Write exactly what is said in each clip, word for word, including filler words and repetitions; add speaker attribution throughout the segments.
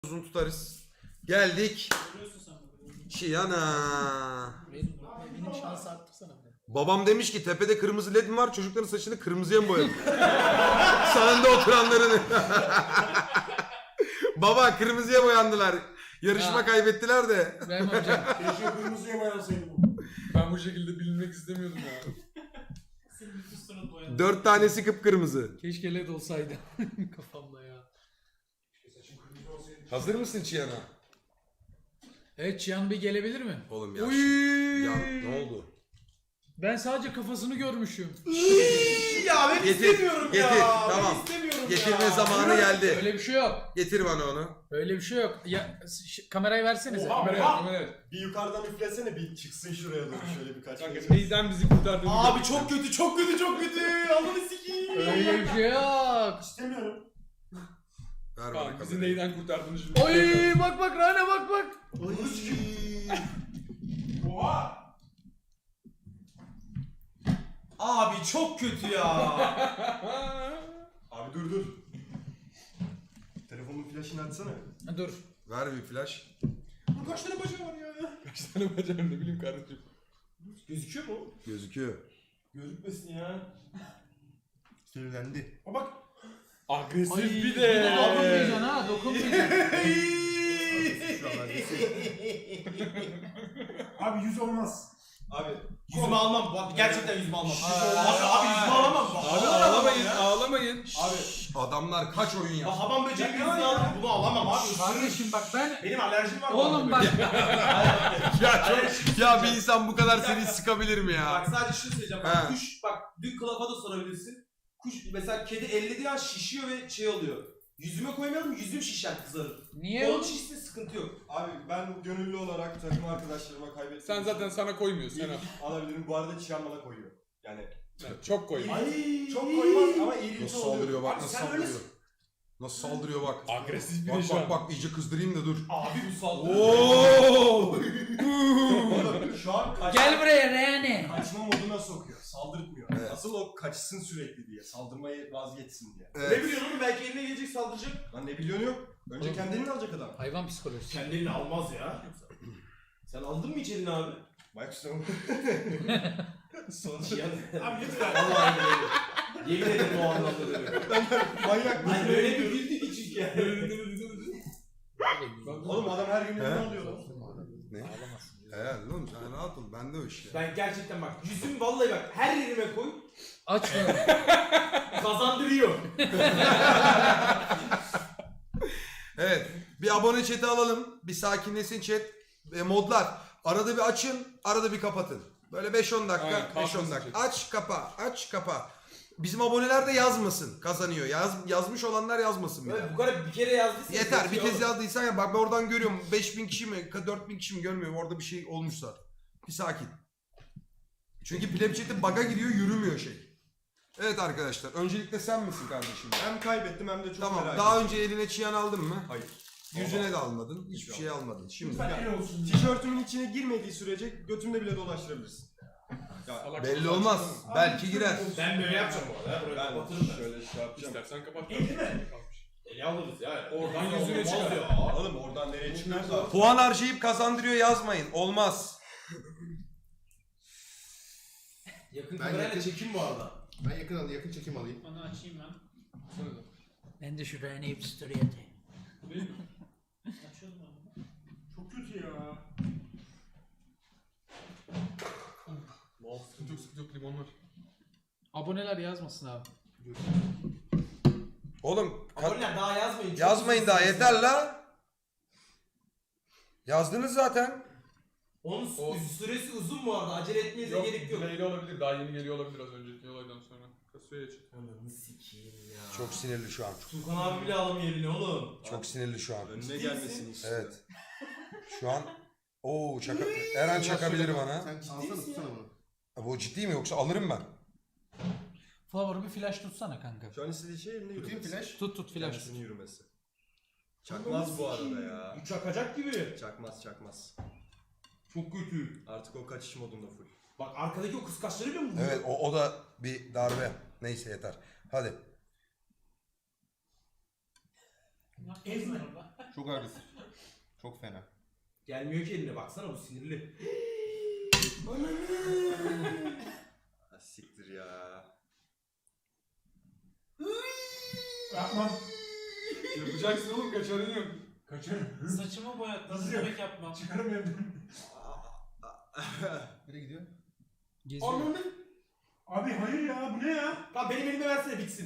Speaker 1: uzun tutarız. Geldik. Çiyana.
Speaker 2: Benim, benim şansı arttırsana.
Speaker 1: Babam demiş ki tepede kırmızı led mi var? Çocukların saçını kırmızıya mı boyayalım? Sağında oturanların. Baba kırmızıya boyandılar. Yarışma
Speaker 2: Ya.
Speaker 1: kaybettiler de.
Speaker 2: Ben hocam.
Speaker 3: Keşke kırmızıya boyansaydım.
Speaker 4: Ben bu şekilde bilinmek istemiyordum ya.
Speaker 1: Dört tanesi kıpkırmızı.
Speaker 2: Keşke led olsaydı kafamda ya.
Speaker 3: Saçım kırmızı olsaydı.
Speaker 1: Hazır mısın Çiyana?
Speaker 2: Evet, Cihan Bey gelebilir mi?
Speaker 1: Oğlum ya.
Speaker 2: Uy.
Speaker 1: Ya ne oldu?
Speaker 2: Ben sadece kafasını görmüşüm.
Speaker 3: Ya ben
Speaker 1: Getir,
Speaker 3: istemiyorum
Speaker 1: getir,
Speaker 3: ya.
Speaker 1: tamam.
Speaker 3: Ben istemiyorum
Speaker 1: Getirme
Speaker 3: ya.
Speaker 1: zamanı geldi.
Speaker 2: Öyle bir şey yok.
Speaker 1: Getir bana onu.
Speaker 2: Öyle bir şey yok. Ya ş- kamerayı versenize.
Speaker 3: Oha.
Speaker 4: Kameraya
Speaker 3: Oha.
Speaker 4: kameraya.
Speaker 3: Bir yukarıdan üflesene bir çıksın şuraya doğru şöyle birkaç
Speaker 4: Kanka
Speaker 3: kez.
Speaker 4: neyden bizi kurtardığını
Speaker 3: Abi
Speaker 4: gördük.
Speaker 3: çok kötü çok kötü çok kötü. Allah'ını sikeyim.
Speaker 2: Öyle bir şey yok.
Speaker 3: İstemiyorum.
Speaker 1: Ver bana
Speaker 4: Kanka bizi
Speaker 1: kamerayı.
Speaker 4: neyden kurtardığını şimdi.
Speaker 2: Oy bak bak Rane bak bak.
Speaker 3: Allah'ını sikeyim. Oha. Abi çok kötü ya. Abi dur dur. Telefonun flaşını açsana.
Speaker 2: Dur.
Speaker 1: Ver bir flash.
Speaker 3: Bu kaç tane bacağı var ya?
Speaker 4: Kaç tane bacağım ne bileyim kardeşim.
Speaker 3: Gözüküyor mu?
Speaker 1: Gözüküyor.
Speaker 3: Gözükmesin ya. Sinirlendi. Aa bak.
Speaker 4: Agresif
Speaker 2: Ay,
Speaker 4: bir
Speaker 2: bir
Speaker 4: de.
Speaker 2: de dokunmayacaksın ha, dokunmayacaksın.
Speaker 3: Abi yüz olmaz. Abi yüzümü almam. Bak gerçekten yüzümü almam. Abi, abi yüzümü alamam. Bak,
Speaker 4: Abi
Speaker 3: vallahi
Speaker 4: ağlamayın
Speaker 3: alamam ya.
Speaker 4: ağlamayın.
Speaker 3: Abi
Speaker 1: Adamlar kaç oyun
Speaker 3: bak
Speaker 1: yaptı?
Speaker 3: hamam böceği yüzünü aldım. Bunu alamam abi.
Speaker 2: Kardeşim bak ben...
Speaker 3: Benim alerjim var.
Speaker 2: Oğlum bak.
Speaker 1: Ya çok, ya bir insan bu kadar seni sıkabilir mi ya?
Speaker 5: Bak sadece şunu söyleyeceğim.
Speaker 1: He.
Speaker 5: Bak, kuş bak dün kılafa da sorabilirsin. Kuş mesela kedi ellediği an şişiyor ve şey oluyor. Yüzüme koymayalım yüzüm şişer kızarır.
Speaker 2: Niye
Speaker 5: Onun
Speaker 2: oğlum?
Speaker 5: şişse sıkıntı yok.
Speaker 3: Abi ben gönüllü olarak takım arkadaşlarıma kaybettim.
Speaker 4: Sen zaten sana koymuyor sen al.
Speaker 3: alabilirim. Bu arada Çiyan bana koyuyor. Yani
Speaker 4: Yani çok koy.
Speaker 5: Ay
Speaker 3: çok koymaz ama iyilikçi
Speaker 1: Nasıl
Speaker 3: oluyor.
Speaker 1: saldırıyor bak
Speaker 5: Abi
Speaker 1: nasıl
Speaker 5: sen
Speaker 1: saldırıyor.
Speaker 5: öylesin.
Speaker 1: Nasıl saldırıyor bak.
Speaker 4: Agresif bir de
Speaker 1: Bak
Speaker 4: şu an.
Speaker 1: bak bak iyice kızdırayım da dur.
Speaker 5: Abi bu saldırı.
Speaker 1: Oo!
Speaker 3: Oğlum, Şu an kaç...
Speaker 2: Gel buraya Rane.
Speaker 3: kaçma moduna sokuyor. Saldırtmıyor.
Speaker 1: Evet.
Speaker 3: Asıl o kaçsın sürekli diye. Saldırmayı vazgeçsin diye.
Speaker 5: Ne
Speaker 1: Evet.
Speaker 5: biliyorsun oğlum belki eline gelecek saldıracak.
Speaker 3: Lan ne biliyorsun yok. Önce
Speaker 2: Oğlum.
Speaker 3: kendini alacak adam.
Speaker 2: Hayvan psikolojisi.
Speaker 5: Kendi elini almaz ya. Sen aldın mı hiç elini abi?
Speaker 3: Bak işte Sonra...
Speaker 5: Yani,
Speaker 3: Abi lütfen.
Speaker 5: Vallahi öyle. Yemin ederim o anlamda demiyorum.
Speaker 3: Manyak mısın?
Speaker 5: Hayır öyle bir güldü ki çünkü yani.
Speaker 3: Oğlum adam her gün
Speaker 1: He?
Speaker 3: elini alıyor lan.
Speaker 1: Ne?
Speaker 2: Ağlamasın.
Speaker 1: Evet oğlum sen rahat ol bende o iş ya.
Speaker 5: Ben gerçekten bak yüzüm vallahi bak her yerime koy
Speaker 2: Aç bunu.
Speaker 5: kazandırıyor.
Speaker 1: Evet bir abone chat'i alalım. Bir sakinleşsin chat. E, modlar. Arada bir açın arada bir kapatın. Böyle beş on dakika
Speaker 4: Aynen,
Speaker 1: beş on
Speaker 4: kalkmasın
Speaker 1: dakika.
Speaker 4: chat.
Speaker 1: Aç kapa aç kapa. Bizim aboneler de yazmasın kazanıyor. Yaz, yazmış olanlar yazmasın bir
Speaker 5: Böyle
Speaker 1: daha.
Speaker 5: bu kadar bir kere yazdıysa
Speaker 1: Yeter bir
Speaker 5: yetiyor
Speaker 1: kez
Speaker 5: oğlum.
Speaker 1: yazdıysan ya bak ben oradan görüyorum beş bin kişi mi dört bin kişi mi görmüyorum orada bir şey olmuşsa. Bir sakin. Çünkü Plebchat'in bug'a gidiyor yürümüyor şey. Evet arkadaşlar öncelikle sen misin kardeşim?
Speaker 3: Hem kaybettim hem de çok
Speaker 1: Tamam
Speaker 3: merak
Speaker 1: daha
Speaker 3: ettim.
Speaker 1: önce eline çiyan aldın mı?
Speaker 3: Hayır.
Speaker 1: Yüzüne de almadın. Hiçbir
Speaker 3: Hiçbir
Speaker 1: şey almadın. Şimdi
Speaker 5: Lütfen el olsun.
Speaker 3: Tişörtümün içine girmediği sürece götümde bile dolaştırabilirsin. Ya,
Speaker 4: Salak
Speaker 1: belli
Speaker 4: salak
Speaker 1: olmaz.
Speaker 4: salak.
Speaker 1: Belki girer.
Speaker 5: Ben böyle yapacağım bu arada. Burayı
Speaker 3: Ben
Speaker 5: kapatırım ben.
Speaker 3: şöyle şey yapacağım.
Speaker 4: İstersen kapat.
Speaker 5: İyi değil mi? Eli alırız ya.
Speaker 4: Oradan
Speaker 5: Olmaz
Speaker 4: yüzüne çıkar.
Speaker 5: ya.
Speaker 3: Oğlum oradan nereye çıkıyorsa.
Speaker 1: Puan harcayıp kazandırıyor yazmayın. Olmaz.
Speaker 5: Yakın
Speaker 6: Ben
Speaker 5: kamerayla
Speaker 6: yakın-
Speaker 5: çekim bu arada.
Speaker 6: Ben yakın alayım, yakın çekim alayım.
Speaker 2: Onu açayım ben. Ben de şu Rane'yi bir story atayım. Açıyorum abi.
Speaker 3: Çok kötü ya.
Speaker 4: Sıkıntı yok sıkıntı yok limon var.
Speaker 2: Aboneler yazmasın abi.
Speaker 1: Oğlum ka-
Speaker 5: Aboneler daha yazmayın. Çok
Speaker 1: yazmayın daha
Speaker 5: uzun
Speaker 1: yeter la. Yazdınız zaten.
Speaker 5: Onun
Speaker 4: O-
Speaker 5: süresi uzun bu arada. Acele etmenize
Speaker 4: Yok
Speaker 5: gerek yok.
Speaker 4: delay'li olabilir daha yeni geliyor olabilir az önceki olaydan sonra. Kasaya çık.
Speaker 5: Ananı sikeyim ya.
Speaker 1: Çok sinirli şu an.
Speaker 5: Tukan abi bile alamıyor elini oğlum.
Speaker 1: Çok sinirli şu an.
Speaker 3: Önüne
Speaker 5: Ciddi
Speaker 3: gelmesini
Speaker 5: misin?
Speaker 3: istiyor.
Speaker 1: Evet. Şu an Oo çaka Eren çakabilir bana.
Speaker 6: Sen alsana
Speaker 5: misin
Speaker 6: tutsana
Speaker 5: ya?
Speaker 6: bunu.
Speaker 1: Bu ciddi mi yoksa alırım ben.
Speaker 2: Flower bir flash tutsana kanka.
Speaker 3: Şu an istediği şey elinde
Speaker 6: Tutayım
Speaker 3: yürümesi.
Speaker 6: flash.
Speaker 2: Tut tut flash tut.
Speaker 3: Kendisinin yürümesi. Çakmaz bu arada ya.
Speaker 5: Bu çakacak gibi.
Speaker 3: Çakmaz çakmaz.
Speaker 5: Çok kötü.
Speaker 3: Artık o kaçış modunda full.
Speaker 5: Bak arkadaki o kıskaçlarıyla mı vuruyor?
Speaker 1: Evet o, o da bir darbe. Neyse yeter. Hadi.
Speaker 2: Ezme orada.
Speaker 6: Çok agresif. Çok fena.
Speaker 5: Gelmiyor ki eline baksana bu sinirli.
Speaker 6: Ha, siktir ya.
Speaker 4: Yapmam. Yapacaksın oğlum, kaçarın yok.
Speaker 7: Kaçarım.
Speaker 2: Saçımı boyat. Nasıl
Speaker 7: Nasıl yok?
Speaker 2: yemek yapmam?
Speaker 7: Çıkarım evden.
Speaker 6: Nereye gidiyor?
Speaker 2: Geziyor.
Speaker 5: Ananı.
Speaker 7: Abi hayır ya bu ne ya?
Speaker 5: Lan benim elime versene bitsin.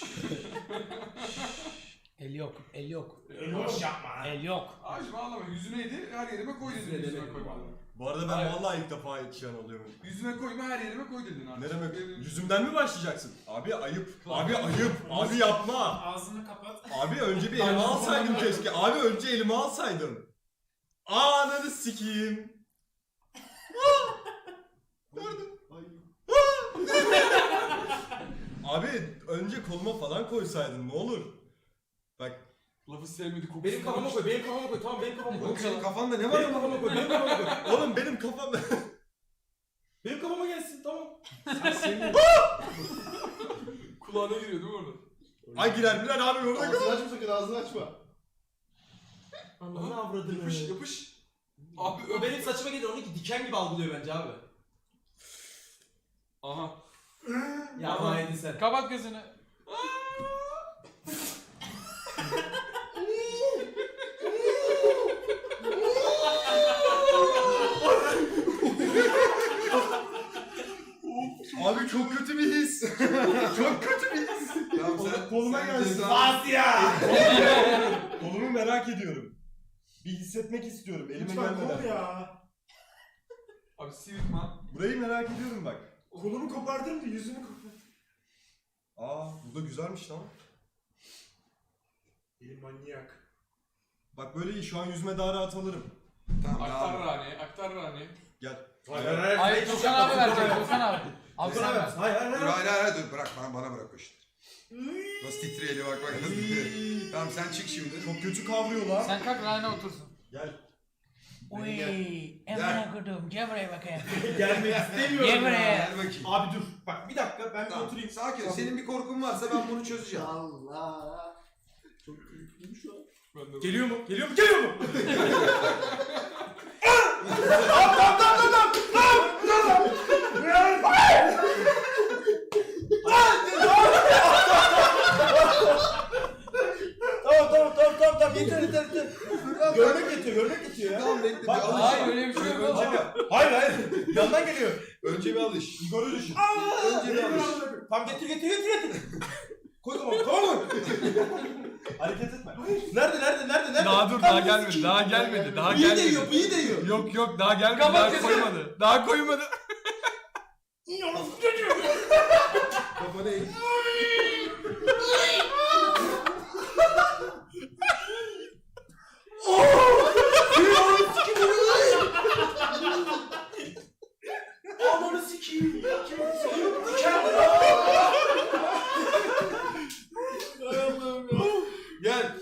Speaker 2: El yok. El yok.
Speaker 5: Boş yapma lan.
Speaker 2: El yok.
Speaker 4: Ağacım ağlama, yüzüneydi, her yerime koy dedin,
Speaker 5: Yüzüne
Speaker 4: yüzüme
Speaker 5: demedim
Speaker 4: koyma.
Speaker 5: vallahi.
Speaker 6: Bu arada ben
Speaker 4: Hayır.
Speaker 6: vallahi ilk defa yetişen oluyorum.
Speaker 4: Yüzüme koyma, her yerime koy dedin artık.
Speaker 6: Ne demek?
Speaker 4: Benim-
Speaker 6: Yüzümden mi başlayacaksın? Abi ayıp. Abi ayıp. Abi yapma.
Speaker 2: Ağzını kapat.
Speaker 6: Abi önce bir elime alsaydım keşke. Abi önce elime alsaydım. Ananı sikeyim. Gördüm. Abi önce koluma falan koysaydın ne olur. Bak
Speaker 4: Lafı sevmedi, kokusunu.
Speaker 5: Benim kafama koy, benim kafama koy. Tamam benim kafama koy.
Speaker 1: Oğlum senin kafanda ne var
Speaker 5: Benim
Speaker 1: ama?
Speaker 5: kafama koy, benim kafama koy.
Speaker 6: oğlum benim kafam...
Speaker 5: Benim kafama gelsin tamam.
Speaker 4: Kulağına giriyor değil mi orada?
Speaker 6: Ay girer girer abi orada kal.
Speaker 8: Ağzını açma sakın, ağzını açma.
Speaker 5: Ananı avradını.
Speaker 4: Yapış yapış. Abi
Speaker 5: O benim saçıma gelir, onu diken gibi algılıyor bence abi.
Speaker 4: Aha.
Speaker 5: Ya
Speaker 4: Tamam.
Speaker 5: haydin sen.
Speaker 4: Kapat gözünü.
Speaker 6: Abi çok kötü bir his. Çok kötü bir his.
Speaker 1: Tamam sen
Speaker 6: Koluma
Speaker 1: sen
Speaker 6: gelsin.
Speaker 1: ceza-
Speaker 5: Asya!
Speaker 6: Kolumu merak ediyorum. Bir hissetmek istiyorum elime
Speaker 7: Lütfen kol
Speaker 6: gelmeden.
Speaker 7: ya.
Speaker 4: Abi sıyırtma.
Speaker 6: Burayı merak ediyorum bak.
Speaker 7: Kolumu kopardın da yüzümü kopardın.
Speaker 6: Aa bu da güzelmiş lan.
Speaker 7: Elim manyak.
Speaker 6: Bak böyle iyi şu an yüzüme daha rahat alırım.
Speaker 1: Tamam
Speaker 4: Aktar
Speaker 1: tamam.
Speaker 4: Rani, aktar Rani.
Speaker 6: Gel.
Speaker 5: Hayır hayır
Speaker 2: Hayır Tukan abi verecek. Tukan abi. Abi sen ver.
Speaker 5: Hayır hayır
Speaker 1: Dur
Speaker 5: hayır.
Speaker 1: hayır hayır dur bırak bana, bana bırak o işleri. Nasıl titriyor eli bak bak nasıl titriyor. Tamam sen çık şimdi.
Speaker 6: Çok kötü kavruyor lan.
Speaker 2: Sen kalk Rane otursun.
Speaker 6: Gel.
Speaker 2: Uy, emine kudum. Gel buraya bakayım.
Speaker 5: Gelmek istemiyorum
Speaker 2: Gel
Speaker 5: ya.
Speaker 2: buraya.
Speaker 1: Gel bakayım.
Speaker 5: Abi dur. Bak bir dakika ben bir
Speaker 1: Tamam.
Speaker 5: oturayım.
Speaker 1: Sakin ol. Senin bir korkun varsa ben bunu çözeceğim.
Speaker 8: Allah. Çok keyifliyim şu an.
Speaker 4: Ben de
Speaker 5: Geliyor mu? Geliyor mu? Geliyor mu? Tamam tamam tamam tamam tamam yeter yeter yeter. Görmek yetiyor görmek yetiyor ya.
Speaker 1: Tamam bekle.
Speaker 5: Bak,
Speaker 1: bir alış.
Speaker 2: Hayır öyle bir şey yok.
Speaker 1: Önce bir,
Speaker 5: Hayır hayır. Yandan geliyor.
Speaker 1: önce bir alış.
Speaker 5: Igor'u düşün.
Speaker 1: Önce bir alış.
Speaker 5: Tamam getir getir getir getir. Koy tamam tamam mı? Hareket etme. Nerede nerede nerede nerede?
Speaker 9: Daha dur, daha gelmedi, daha gelmedi, daha
Speaker 5: İyi
Speaker 9: gelmedi.
Speaker 5: değiyor, iyi değiyor.
Speaker 9: Yok yok daha gelmedi,
Speaker 2: Kapat
Speaker 9: daha
Speaker 2: gözünü.
Speaker 9: koymadı. Daha koymadı.
Speaker 1: Kafa değil.
Speaker 5: Ananı sikeyim. Gel.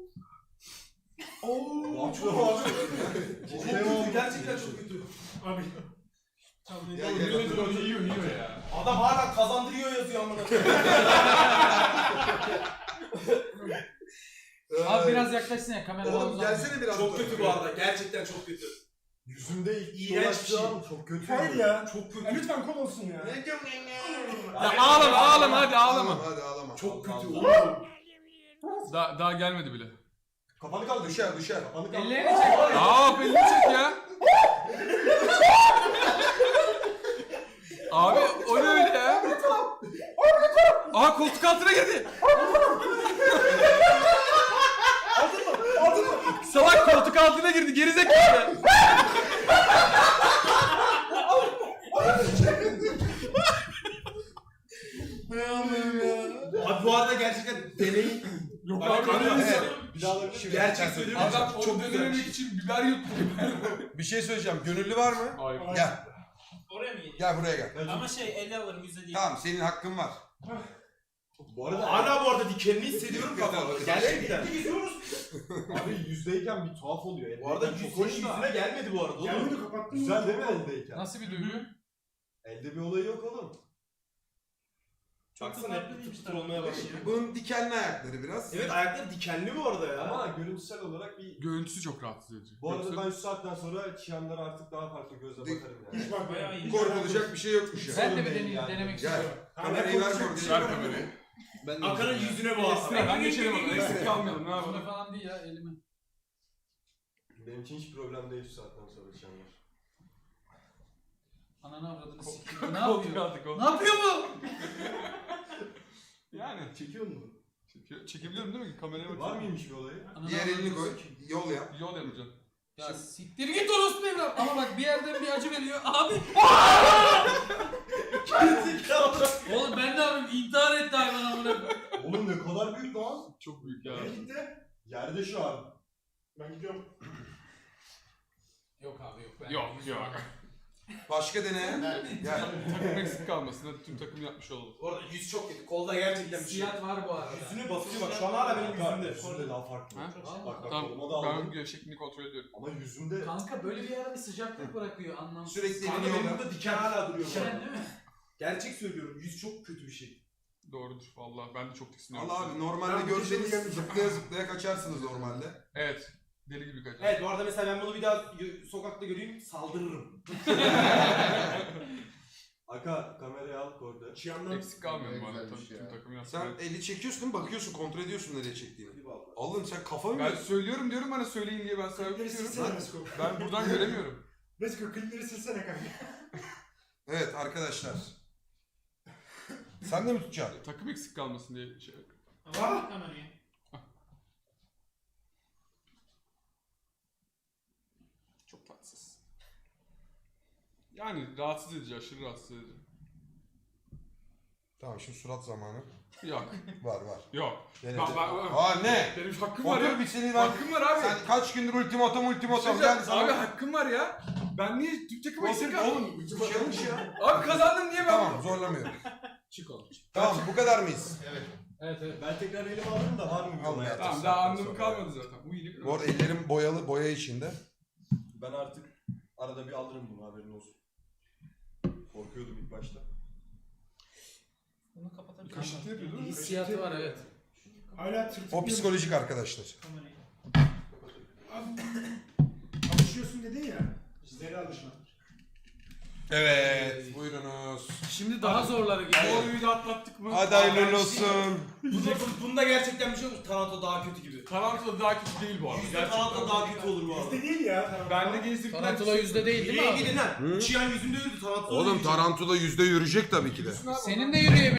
Speaker 5: Oo, çok kötü. Gerçekten çok kötü.
Speaker 7: Abi.
Speaker 1: Gel gel.
Speaker 4: Yiyor, yiyor, yiyor, yiyor ya.
Speaker 5: Adam hala kazandırıyor yazıyor amına.
Speaker 2: Abi biraz yaklaşsın ya kameradan
Speaker 1: Oğlum
Speaker 2: uzak.
Speaker 1: gelsene biraz.
Speaker 5: Çok
Speaker 1: daha.
Speaker 5: kötü bu arada. Gerçekten çok kötü.
Speaker 6: Yüzümde ilk
Speaker 5: İğrenç bir şey.
Speaker 6: Çok kötü.
Speaker 7: Hayır ya.
Speaker 5: Çok kötü.
Speaker 7: Ya lütfen kol olsun ya.
Speaker 9: Ya ağlama ağlama hadi
Speaker 1: Ağlama
Speaker 9: ağlama.
Speaker 1: hadi ağlama.
Speaker 5: Çok kötü.
Speaker 9: Daha, daha gelmedi bile.
Speaker 6: Kafanı kaldır.
Speaker 1: Düşer düşer.
Speaker 6: Kafanı kaldır.
Speaker 2: Ellerini çek.
Speaker 9: Aa belli çek ya. Abi o ne öyle ya? Aha koltuk altına girdi. Salak koltuk altına girdi gerizekalı.
Speaker 5: Abi bu arada gerçekten deney.
Speaker 4: Yok
Speaker 5: Bak,
Speaker 4: abi,
Speaker 5: kanka,
Speaker 4: öyle
Speaker 5: evet.
Speaker 4: bir
Speaker 1: Bir daha alabilir miyim?
Speaker 5: Gerçek söylüyorum.
Speaker 4: Adam
Speaker 5: çok
Speaker 4: çok
Speaker 5: güzel.
Speaker 4: dönemek için biber yuttu.
Speaker 1: Bir şey söyleyeceğim. Gönüllü var mı?
Speaker 4: Hayır.
Speaker 1: Gel.
Speaker 2: Oraya mı gidiyor?
Speaker 1: Gel buraya gel.
Speaker 2: Ama şey elle alırım yüzde değil.
Speaker 1: Tamam senin hakkın var.
Speaker 6: Bu arada
Speaker 5: Hala bu arada dikenini hissediyorum kafamda. Gerçekten.
Speaker 6: abi yüzdeyken bir tuhaf oluyor.
Speaker 5: Bu arada
Speaker 6: Eldeyken
Speaker 5: yüz
Speaker 6: çok
Speaker 5: senin
Speaker 6: hoş da.
Speaker 5: yüzüne gelmedi bu arada.
Speaker 7: Gelmedi
Speaker 5: Oğlum.
Speaker 7: kapattın.
Speaker 6: Güzel değil mi eldeyken?
Speaker 2: Nasıl bir duygu?
Speaker 6: Elde bir olayı yok oğlum.
Speaker 5: Baksana hep pıtır pıtır olmaya başlıyor.
Speaker 1: Bunun dikenli ayakları biraz.
Speaker 5: Evet ayakları dikenli bu arada ya.
Speaker 6: Ama görüntüsel olarak bir...
Speaker 4: Görüntüsü çok rahatsız edici.
Speaker 6: Bu arada
Speaker 4: Yoksa-
Speaker 6: ben şu saatten sonra Çiyanlara artık daha farklı gözle
Speaker 1: Dik-
Speaker 6: bakarım yani.
Speaker 7: Hiç bak bayağı iyi.
Speaker 1: Korkulacak bir şey yokmuş ya.
Speaker 2: Ben de bir
Speaker 6: Sorun değil
Speaker 2: deneyim,
Speaker 6: yani.
Speaker 2: denemek
Speaker 1: Gel.
Speaker 2: istiyorum.
Speaker 1: Kamerayı ver
Speaker 4: Ver
Speaker 1: korkulacak.
Speaker 4: kamerayı.
Speaker 8: Ben de
Speaker 3: Hakan'ın
Speaker 8: yüzüme-
Speaker 3: yüzüne bu aslında.
Speaker 4: Ben geçelim onu. Eksik kalmayalım. Ne
Speaker 2: Buna
Speaker 4: yapalım?
Speaker 2: falan değil ya elime.
Speaker 6: Benim için hiç problem değil şu saatten sonra Çiyanlar.
Speaker 2: Ananı avradını sikeyim. Ne
Speaker 4: Koltuk
Speaker 2: yapıyor?
Speaker 4: aldık o.
Speaker 2: Ne yapıyor bu?
Speaker 4: Yani
Speaker 6: Çekiyor mu?
Speaker 4: çekiyor, çekebiliyorum değil mi? Kameraya
Speaker 6: Var
Speaker 4: bakıyorum.
Speaker 6: mıymış bir olayı?
Speaker 2: Ananı
Speaker 1: Diğer elini
Speaker 2: avradını
Speaker 1: koy.
Speaker 2: sikeyim.
Speaker 1: Yol yap.
Speaker 4: Yol yapacağım.
Speaker 2: Ya siktir git orospu evlat. Ama bak bir yerden bir acı veriyor. Abi. Oğlum ben ne yapayım? İntihar etti hayvan amına.
Speaker 6: Oğlum ne kadar büyük lan.
Speaker 4: Çok büyük ya.
Speaker 7: Nereye gitti?
Speaker 6: Yerde şu an.
Speaker 7: Ben gidiyorum.
Speaker 2: Yok abi yok. Ben
Speaker 4: Yok yok.
Speaker 1: Başka dene. Gel.
Speaker 4: Takım eksik kalmasın. Hadi tüm takım yapmış olalım.
Speaker 5: Bu arada yüz çok kötü. Kolda gerçekten bir şey.
Speaker 2: Hissiyat var bu arada.
Speaker 5: Yüzünü basıyor bak şu an hala benim yüzümde.
Speaker 6: Yüzümde daha farklı.
Speaker 4: Ha?
Speaker 6: Bak bak
Speaker 4: Tamam.
Speaker 6: koluma da
Speaker 4: Ben
Speaker 6: aldım.
Speaker 4: gevşekliğini kontrol ediyorum.
Speaker 6: Ama yüzümde...
Speaker 2: Kanka böyle bir yerde bir sıcaklık bırakıyor anlamsız.
Speaker 1: Sürekli
Speaker 5: Kanka
Speaker 1: elini yol
Speaker 5: benim
Speaker 1: yap.
Speaker 5: burada diken hala duruyor bu
Speaker 2: Diken
Speaker 5: arada.
Speaker 2: değil mi?
Speaker 5: Gerçek söylüyorum yüz çok kötü bir şey.
Speaker 4: Doğrudur vallahi. Ben de çok tiksiniyorum.
Speaker 1: Allah abi normalde
Speaker 7: Ben bu
Speaker 1: görseniz
Speaker 7: işe
Speaker 1: zıplaya zıplaya kaçarsınız normalde.
Speaker 4: Evet. Deli gibi kaçar.
Speaker 5: Evet bu arada mesela ben bunu bir daha gö- sokakta göreyim saldırırım.
Speaker 6: Aka kamerayı al orada.
Speaker 7: Çiyanlar.
Speaker 4: Eksik kalmıyorum bu arada.
Speaker 8: Güzel bir
Speaker 4: Tabii
Speaker 8: şey
Speaker 4: tüm
Speaker 8: ya.
Speaker 4: takım yapsın.
Speaker 1: Sen
Speaker 4: Ben-
Speaker 1: eli çekiyorsun bakıyorsun kontrol ediyorsun nereye çektiğini.
Speaker 5: Bir vallahi.
Speaker 1: Oğlum sen kafa mı
Speaker 4: Ben
Speaker 1: yiyorsun?
Speaker 4: söylüyorum diyorum bana söyleyin diye ben sana
Speaker 7: Klipleri
Speaker 4: yapıyorum.
Speaker 7: silsene Mesko.
Speaker 4: Ben buradan göremiyorum.
Speaker 7: Mesko klipleri silsene kanka.
Speaker 1: Evet arkadaşlar. Sen de mi tutacaksın?
Speaker 4: Takım eksik kalmasın diye şey.
Speaker 7: Ah!
Speaker 4: Çok tatsız. Yani rahatsız edici, aşırı rahatsız edici.
Speaker 1: Tamam şimdi surat zamanı.
Speaker 4: Yok,
Speaker 1: Var var.
Speaker 4: yok.
Speaker 1: Dene.
Speaker 4: Bak, bak, bak.
Speaker 1: Aa ne?
Speaker 4: Benim hakkım var
Speaker 1: Otur
Speaker 4: ya.
Speaker 1: bir seni ben.
Speaker 4: Hakkım var abi.
Speaker 1: Sen kaç gündür ultimatom ultimatom
Speaker 4: Şey
Speaker 1: gel
Speaker 4: abi
Speaker 1: sana.
Speaker 4: hakkım var ya. Ben niye Türk takımı eksik
Speaker 1: Otur
Speaker 4: kaldım?
Speaker 1: oğlum hiçbir şey olmuş ya.
Speaker 4: Abi kazandım niye ben?
Speaker 1: Tamam zorlamıyorum.
Speaker 2: Çık oğlum.
Speaker 1: Tamam bu kadar mıyız?
Speaker 2: Evet evet.
Speaker 6: Ben tekrar elime alırım da var mı bir
Speaker 1: Al
Speaker 6: olay?
Speaker 1: ya.
Speaker 4: Tamam daha anlamı kalmadı zaten. Bu iyilik.
Speaker 1: Bu arada ellerim boyalı boya içinde.
Speaker 6: Ben artık arada bir alırım bunu haberin olsun. Korkuyordum ilk başta.
Speaker 2: Bunu kapatabilir
Speaker 4: Kaşıntı yapıyor değil mi?
Speaker 2: Hissiyatı var evet.
Speaker 7: Hala tırtıklıyor.
Speaker 1: O psikolojik arkadaşlar.
Speaker 7: Alışıyorsun dedin ya. Zeri alışma.
Speaker 1: Evet buyurunuz.
Speaker 2: Şimdi daha zorları geliyor.
Speaker 4: Doğruyu da atlattık mı?
Speaker 1: Hadi hayırlı olsun.
Speaker 5: Bunda, bunda gerçekten bir şey olmuş. Taranto daha kötü gibi.
Speaker 4: Tarantula daha kötü değil bu arada.
Speaker 5: Yüzde
Speaker 4: Gerçekten.
Speaker 5: Taranto daha kötü olur bu arada.
Speaker 7: Bizde değil ya.
Speaker 4: Ben de gezdirdiler.
Speaker 2: Tarantula yüzde değil değil mi
Speaker 5: Nereye
Speaker 2: abi?
Speaker 5: gidin lan? Çiyan yüzünde yürüdü Taranto.
Speaker 1: Oğlum Tarantola yüzde yürüyecek tabii ki de.
Speaker 2: Senin de yürüyebilir.